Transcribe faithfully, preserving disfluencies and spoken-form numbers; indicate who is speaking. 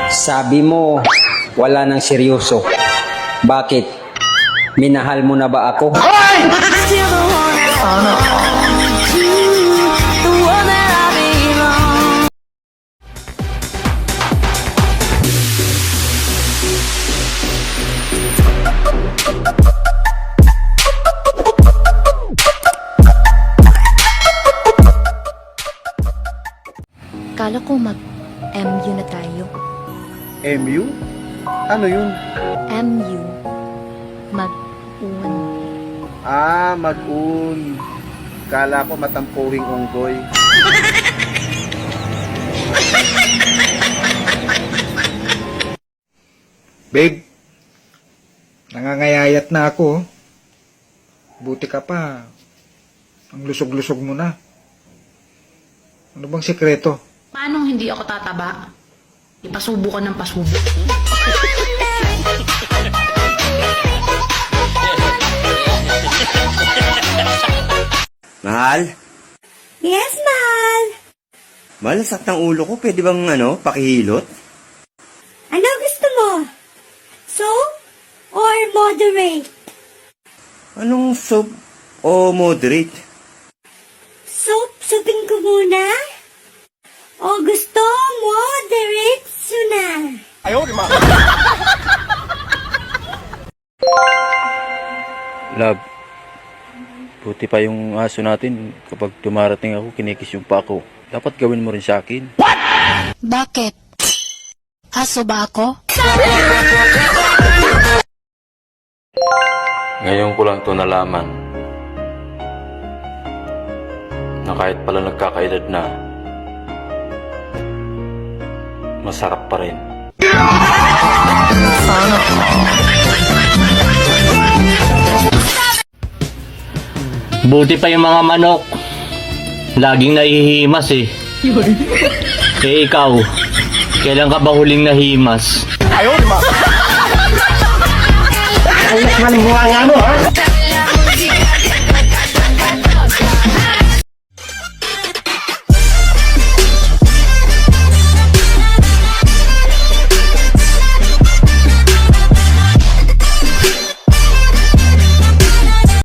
Speaker 1: Sabi mo, wala nang seryoso. Bakit? Minahal mo na ba ako?
Speaker 2: Kala ko mag-M U na tayo.
Speaker 3: M U? Ano yun?
Speaker 2: M U. Mag-un.
Speaker 3: Ah, mag-un. Kala ko matampuhing unggoy.
Speaker 4: Babe, nangangayayat na ako. Buti ka pa. Ang lusog-lusog mo na. Ano bang sekreto?
Speaker 5: Paano hindi ako tataba? Ipasubo ka ng pasubo.
Speaker 6: Mahal?
Speaker 7: Yes, mahal.
Speaker 6: Mahal, sakit ng ulo ko. Pwede bang, ano, pakihilot?
Speaker 7: Ano gusto mo? Soap or moderate?
Speaker 6: Anong soap o moderate?
Speaker 7: Soap, supin ko muna. O gusto, moderate suna.
Speaker 8: Love, buti pa yung aso natin. Kapag dumarating ako, kinikis yung pako. Dapat gawin mo rin sa akin.
Speaker 2: Bakit? Aso ba ako?
Speaker 8: Ngayon ko lang to nalaman na kahit pala nagkakaedad na, masarap pa rin.
Speaker 9: Buti pa yung mga manok. Laging nahihimas eh. Eh ikaw, kailan ka ba huling nahimas?
Speaker 3: Anak man buha nga mo!